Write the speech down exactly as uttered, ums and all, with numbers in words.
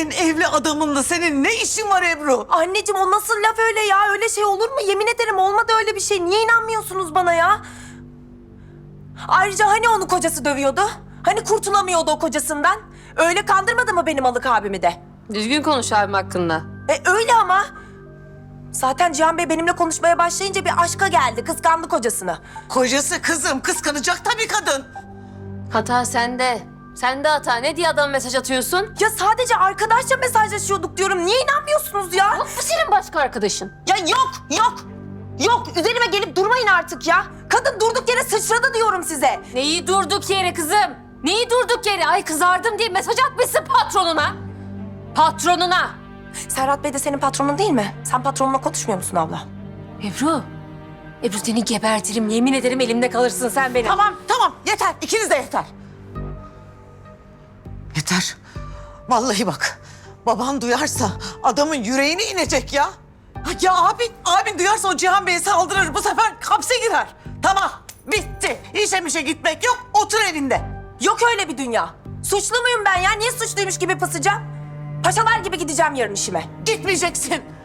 Senin evli adamınla senin ne işin var Ebru? Anneciğim o nasıl laf öyle ya? Öyle şey olur mu? Yemin ederim olmadı öyle bir şey. Niye inanmıyorsunuz bana ya? Ayrıca hani onu kocası dövüyordu? Hani kurtulamıyordu o kocasından? Öyle kandırmadı mı benim Alık abimi de? Düzgün konuş abim hakkında. E öyle ama. Zaten Cihan Bey benimle konuşmaya başlayınca bir aşka geldi. Kıskandı kocasını. Kocası kızım kıskanacak tabii kadın. Hata sende. Sende hata. Ne diye adam mesaj atıyorsun? Ya sadece arkadaşça mesajlaşıyorduk diyorum. Niye inanmıyorsunuz ya? Yok mu senin başka arkadaşın? Ya yok, yok. Yok, üzerime gelip durmayın artık ya. Kadın durduk yere sıçradı diyorum size. Neyi durduk yere kızım? Neyi durduk yere? Ay kızardım diye mesaj atmışsın patronuna. Patronuna. Serhat Bey de senin patronun değil mi? Sen patronunla konuşmuyor musun abla? Ebru. Ebru seni gebertirim. Yemin ederim elimde kalırsın sen benim. Tamam tamam yeter ikiniz de yeter. Yeter. Vallahi bak baban duyarsa adamın yüreğine inecek ya. Ya abin, abin duyarsa o Cihan Bey'e saldırır bu sefer hapse girer. Tamam bitti. İşe mişe gitmek yok otur evinde. Yok öyle bir dünya. Suçlu muyum ben ya? Niye suçluymuş gibi pısacağım? Paşalar gibi gideceğim yarın işime. Gitmeyeceksin.